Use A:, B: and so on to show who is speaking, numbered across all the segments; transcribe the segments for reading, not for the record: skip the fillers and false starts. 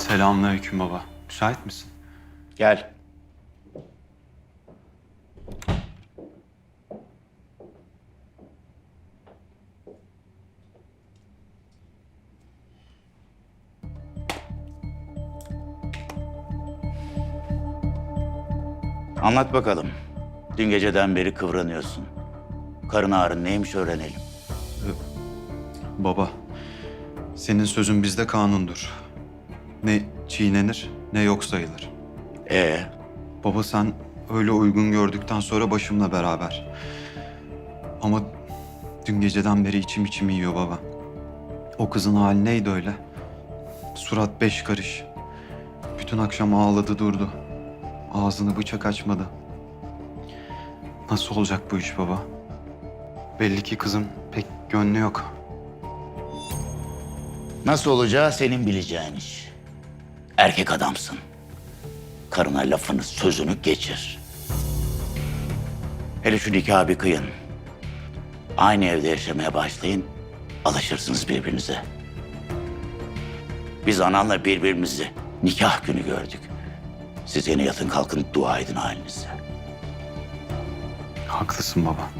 A: Selamünaleyküm baba. Müsait misin?
B: Gel. Anlat bakalım. Dün geceden beri kıvranıyorsun. Karın ağrın neymiş öğrenelim.
A: Baba, senin sözün bizde kanundur. Ne çiğnenir ne yok sayılır.
B: Ee,
A: Baba sen öyle uygun gördükten sonra başımla beraber. Ama dün geceden beri içim yiyor baba. O kızın hali neydi öyle? Surat 5 karış. Bütün akşam ağladı durdu. Ağzını bıçak açmadı. Nasıl olacak bu iş baba? Belli ki kızın pek gönlü yok.
B: nasıl olacağı senin bileceğin iş. Erkek adamsın. Karına lafını, sözünü geçir. Hele şu nikahı bir kıyın. Aynı evde yaşamaya başlayın. Alışırsınız birbirinize. Biz ananla birbirimizi nikah günü gördük. Siz yine yatın kalkın dua edin halinize.
A: Haklısın baba.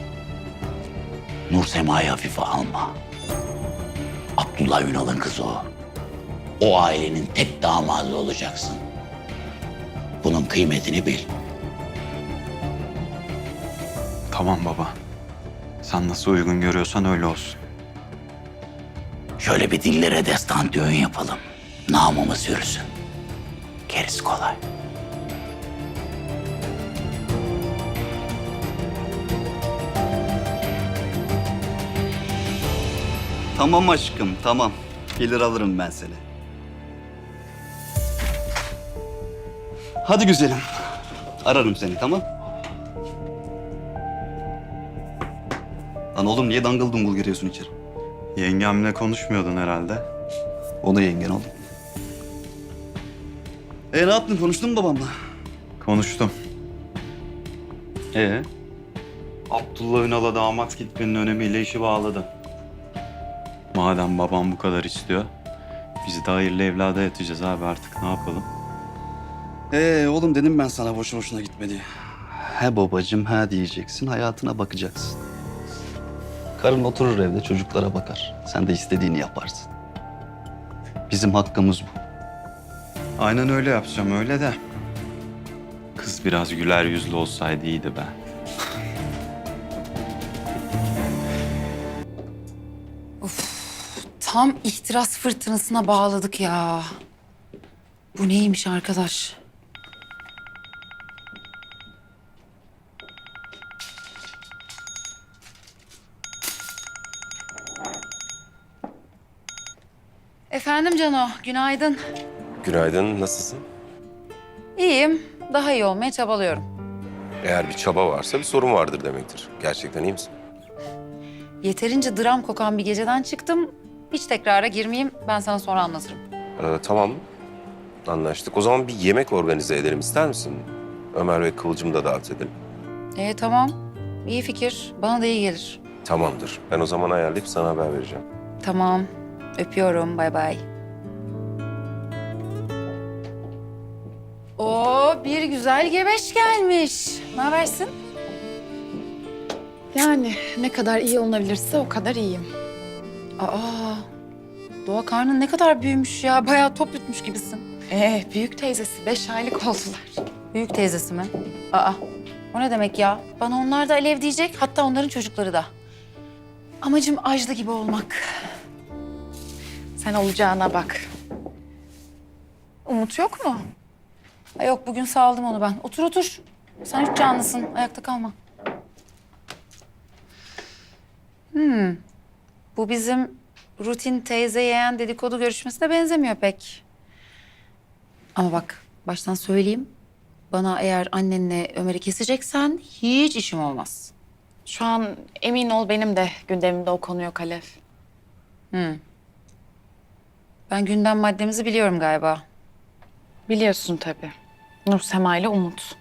B: Nur Sema'yı hafife alma. Abdullah Ünal'ın kızı o. O ailenin tek damadı olacaksın. Bunun kıymetini bil.
A: Tamam baba. Sen nasıl uygun görüyorsan öyle olsun.
B: Şöyle bir dillere destan düğün yapalım. Namımız yürüsün. Gerisi kolay.
C: Tamam aşkım, tamam. Gelir alırım ben seni. Hadi güzelim. Ararım seni, tamam? Lan oğlum niye dangıl dungul giriyorsun içeri?
A: Yengemle konuşmuyordun herhalde.
C: O da yengen oğlum. Ne yaptın? Konuştun mu babamla?
A: Konuştum. Abdullah Ünal'a damat gitmenin önemiyle işi bağladı. Madem babam bu kadar istiyor, biz de hayırlı evlada yatacağız abi artık ne yapalım?
C: Oğlum dedim ben sana boşu boşuna gitme diye. He babacığım he diyeceksin, hayatına bakacaksın. Karın oturur evde çocuklara bakar. Sen de istediğini yaparsın. Bizim hakkımız bu.
A: Aynen öyle yapacağım öyle de. Kız biraz güler yüzlü olsaydı iyiydi be.
D: Tam ihtiras fırtınasına bağladık ya. Bu neymiş arkadaş? Efendim Cano, günaydın.
E: Günaydın, nasılsın?
D: İyiyim, daha iyi olmaya çabalıyorum.
E: Eğer bir çaba varsa bir sorun vardır demektir. Gerçekten iyi misin?
D: Yeterince dram kokan bir geceden çıktım. Hiç tekrara girmeyeyim, ben sana sonra anlatırım.
E: Tamam, anlaştık. O zaman bir yemek organize edelim ister misin? Ömer ve Kıvılcım'ı da davet edelim.
D: Tamam, iyi fikir. Bana da iyi gelir.
E: Tamamdır. Ben o zaman ayarlayıp sana haber vereceğim.
D: Tamam, öpüyorum, bay bay. Oo, bir güzel gebeş gelmiş. Ne habersin?
F: Yani ne kadar iyi olunabilirse o kadar iyiyim.
D: Aa, Doğa karnın ne kadar büyümüş ya. Bayağı top yutmuş gibisin.
F: Büyük teyzesi 5 aylık oldular.
D: Büyük teyzesi mi? Aa, o ne demek ya? Bana onlar da Alev diyecek, hatta onların çocukları da. Amacım Ajda gibi olmak.
F: Sen olacağına bak. Umut yok mu?
D: Ay yok, bugün sağladım onu ben. Otur otur. Sen hiç canlısın, ayakta kalma. Bu bizim rutin teyze yeğen dedikodu görüşmesine benzemiyor pek. Ama bak, baştan söyleyeyim. Bana eğer annenle Ömer'i keseceksen hiç işim olmaz.
F: Şu an emin ol benim de gündemimde o konu yok Alev.
D: Ben gündem maddemizi biliyorum galiba.
F: Biliyorsun tabii. Nur Sema ile Umut.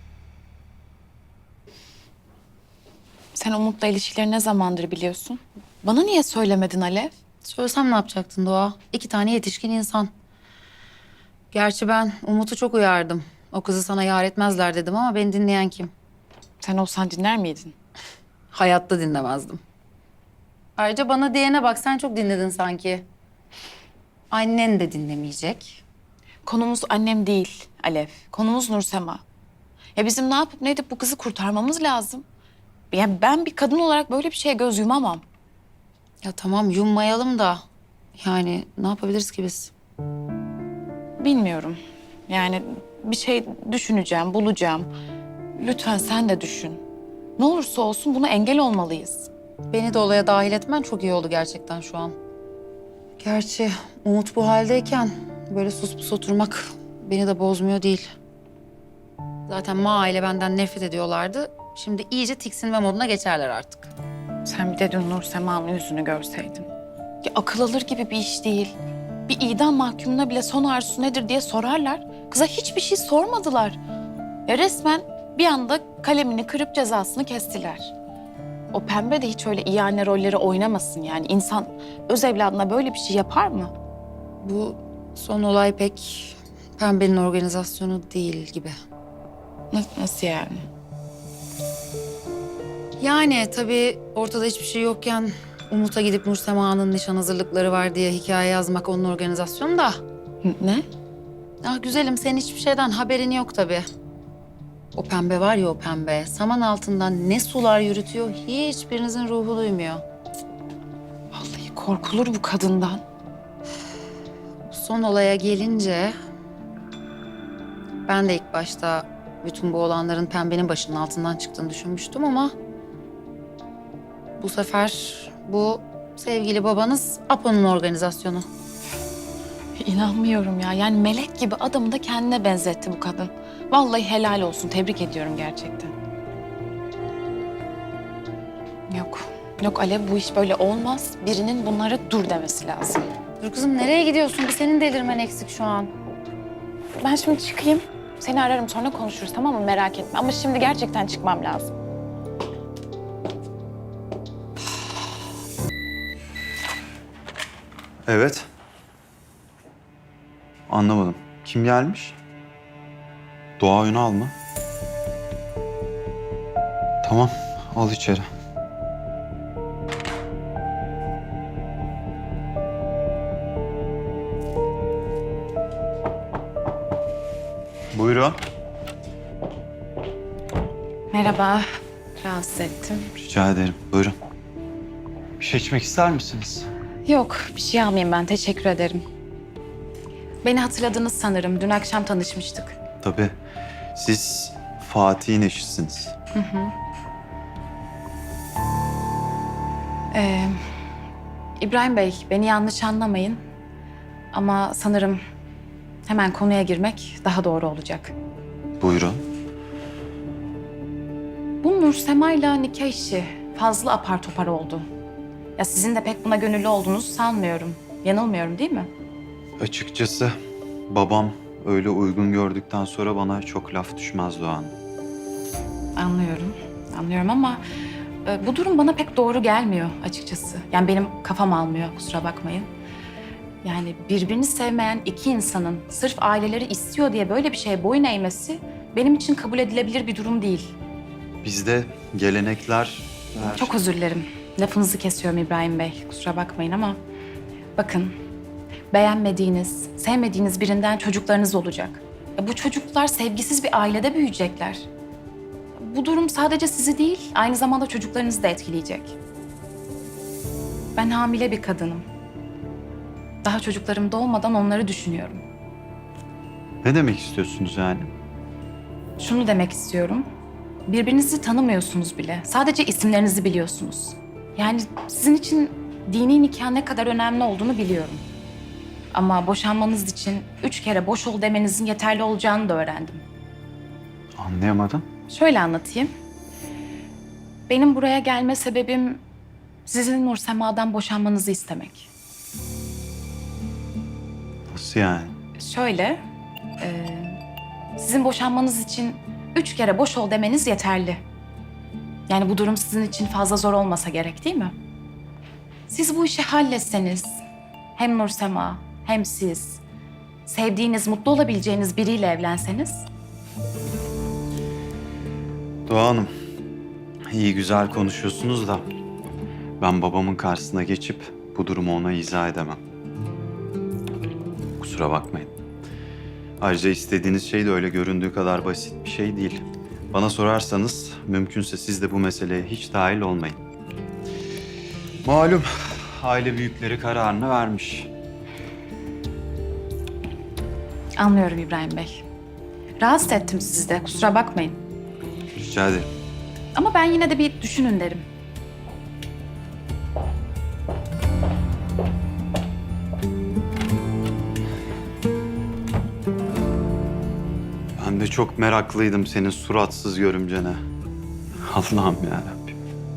F: Sen Umut'la ilişkileri ne zamandır biliyorsun? Bana niye söylemedin Alev?
D: Söylesem ne yapacaktın Doğa? 2 tane yetişkin insan. Gerçi ben Umut'u çok uyardım. O kızı sana yar etmezler dedim ama beni dinleyen kim?
F: Sen olsan dinler miydin?
D: Hayatta dinlemezdim. Ayrıca bana diyene bak, sen çok dinledin sanki. Annen de dinlemeyecek.
F: Konumuz annem değil Alev. Konumuz Nursema. Ya bizim ne yapıp ne edip bu kızı kurtarmamız lazım. Yani ben bir kadın olarak böyle bir şeye göz yumamam.
D: Ya tamam, yummayalım da. Yani ne yapabiliriz ki biz?
F: Bilmiyorum. Yani bir şey düşüneceğim, bulacağım. Lütfen sen de düşün. Ne olursa olsun buna engel olmalıyız.
D: Beni de olaya dahil etmen çok iyi oldu gerçekten şu an. Gerçi Umut bu haldeyken böyle sus pus oturmak beni de bozmuyor değil. Zaten Ma ile benden nefret ediyorlardı. Şimdi iyice tiksinme moduna geçerler artık.
F: Sen bir de dün Nursema'nın yüzünü görseydin. Ya akıl alır gibi bir iş değil. Bir idam mahkumuna bile son arzusu nedir diye sorarlar. Kıza hiçbir şey sormadılar. Ya resmen bir anda kalemini kırıp cezasını kestiler. O pembe de hiç öyle iyi anne rolleri oynamasın yani. İnsan öz evladına böyle bir şey yapar mı?
D: Bu son olay pek Pembe'nin organizasyonu değil gibi.
F: Nasıl yani?
D: Yani tabii ortada hiçbir şey yokken Umut'a gidip Nursema'nın nişan hazırlıkları var diye hikaye yazmak onun organizasyonu da.
F: Ne?
D: Ah güzelim, senin hiçbir şeyden haberin yok tabii. O pembe var ya, o pembe. Saman altından ne sular yürütüyor hiçbirinizin ruhu duymuyor.
F: Vallahi korkulur bu kadından.
D: Son olaya gelince ben de ilk başta bütün bu olanların Pembe'nin başının altından çıktığını düşünmüştüm ama bu sefer bu sevgili babanız Apo'nun organizasyonu.
F: İnanmıyorum ya. Yani melek gibi adamı da kendine benzetti bu kadın. Vallahi helal olsun. Tebrik ediyorum gerçekten. Yok. Yok Alev, bu iş böyle olmaz. Birinin bunlara dur demesi lazım.
D: Dur kızım, nereye gidiyorsun? Bir senin delirmen eksik şu an.
F: Ben şimdi çıkayım. Seni ararım, sonra konuşuruz, tamam mı? Merak etme. Ama şimdi gerçekten çıkmam lazım.
A: Evet. Anlamadım. Kim gelmiş? Doğa Ünal mı? Tamam, al içeri. Buyurun.
F: Merhaba. Rahatsız ettim.
A: Rica ederim. Buyurun. Bir şey içmek ister misiniz?
F: Yok, bir şey almayayım ben. Teşekkür ederim. Beni hatırladınız sanırım. Dün akşam tanışmıştık.
A: Tabii. Siz Fatih'in eşisiniz.
F: İbrahim Bey, beni yanlış anlamayın. Ama sanırım hemen konuya girmek daha doğru olacak.
A: Buyurun.
F: Bu Nursema'yla nikah işi fazla apar topar oldu. Ya sizin de pek buna gönüllü olduğunuzu sanmıyorum. Yanılmıyorum değil mi?
A: Açıkçası babam öyle uygun gördükten sonra bana çok laf düşmez Doğan.
F: Anlıyorum. Anlıyorum ama bu durum bana pek doğru gelmiyor açıkçası. Yani benim kafam almıyor, kusura bakmayın. Yani birbirini sevmeyen iki insanın sırf aileleri istiyor diye böyle bir şeye boyun eğmesi benim için kabul edilebilir bir durum değil.
A: Bizde gelenekler...
F: Çok özür dilerim. Lafınızı kesiyorum İbrahim Bey. Kusura bakmayın ama bakın, beğenmediğiniz, sevmediğiniz birinden çocuklarınız olacak. Bu çocuklar sevgisiz bir ailede büyüyecekler. Bu durum sadece sizi değil, aynı zamanda çocuklarınızı da etkileyecek. Ben hamile bir kadınım. Daha çocuklarım doğmadan onları düşünüyorum.
A: Ne demek istiyorsunuz yani?
F: Şunu demek istiyorum. Birbirinizi tanımıyorsunuz bile. Sadece isimlerinizi biliyorsunuz. Yani sizin için dini nikah ne kadar önemli olduğunu biliyorum. Ama boşanmanız için 3 kere boş ol demenizin yeterli olacağını da öğrendim.
A: Anlayamadım.
F: Şöyle anlatayım. Benim buraya gelme sebebim sizin Nursema'dan boşanmanızı istemek.
A: Nasıl yani?
F: Şöyle, sizin boşanmanız için 3 kere boş ol demeniz yeterli. Yani bu durum sizin için fazla zor olmasa gerek değil mi? Siz bu işi halletseniz, hem Nursema hem siz, sevdiğiniz, mutlu olabileceğiniz biriyle evlenseniz...
A: Doğa Hanım, iyi güzel konuşuyorsunuz da ben babamın karşısına geçip bu durumu ona izah edemem. Kusura bakmayın. Ayrıca istediğiniz şey de öyle göründüğü kadar basit bir şey değil. Bana sorarsanız mümkünse siz de bu meseleye hiç dahil olmayın. Malum aile büyükleri kararını vermiş.
F: Anlıyorum İbrahim Bey. Rahatsız ettim sizi de, kusura bakmayın.
A: Rica ederim.
F: Ama ben yine de bir düşünün derim.
A: Ben de çok meraklıydım senin suratsız görümcene. Allah'ım yarabbim.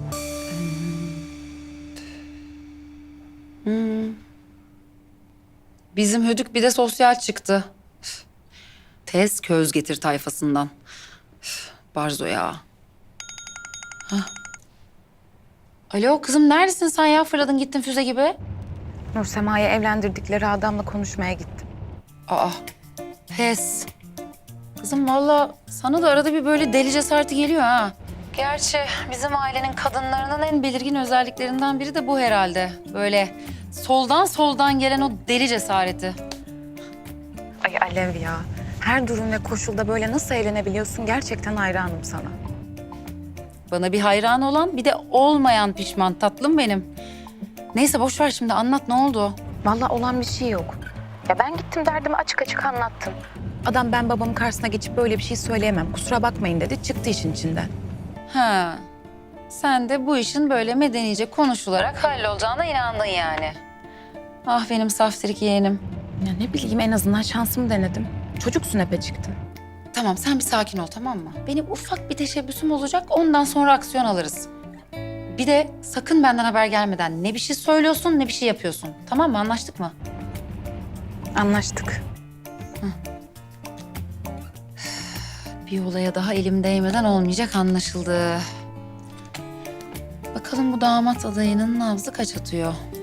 D: Bizim Hödük bir de sosyal çıktı. Üf. Tez köz getir tayfasından. Üf, Barzo ya. Hah. Alo kızım neredesin sen ya? Fırladın gittin füze gibi.
F: Nursema'yı evlendirdikleri adamla konuşmaya gittim.
D: Aa, pes. Kızım vallahi sana da arada bir böyle deli cesareti geliyor ha. Gerçi bizim ailenin kadınlarının en belirgin özelliklerinden biri de bu herhalde. Böyle soldan gelen o deli cesareti.
G: Ay Alev ya. Her durum ve koşulda böyle nasıl eğlenebiliyorsun gerçekten hayranım sana.
D: Bana bir hayran olan bir de olmayan pişman tatlım benim. Neyse boş ver şimdi anlat ne oldu?
G: Vallahi olan bir şey yok. Ya ben gittim derdimi açık açık anlattım. Adam ben babamın karşısına geçip böyle bir şey söyleyemem. Kusura bakmayın dedi. Çıktı işin içinden.
D: Ha. Sen de bu işin böyle medenice konuşularak hallolacağına inandın yani. Ah benim saftirik yeğenim.
G: Ya ne bileyim en azından şansımı denedim. Çocuksun epe çıktı.
D: Tamam sen bir sakin ol tamam mı? Benim ufak bir teşebbüsüm olacak ondan sonra aksiyon alırız. Bir de sakın benden haber gelmeden ne bir şey söylüyorsun ne bir şey yapıyorsun. Tamam mı anlaştık mı?
G: Anlaştık.
D: Bir olaya daha elim değmeden olmayacak anlaşıldı. Bakalım bu damat adayının nabzı kaç atıyor?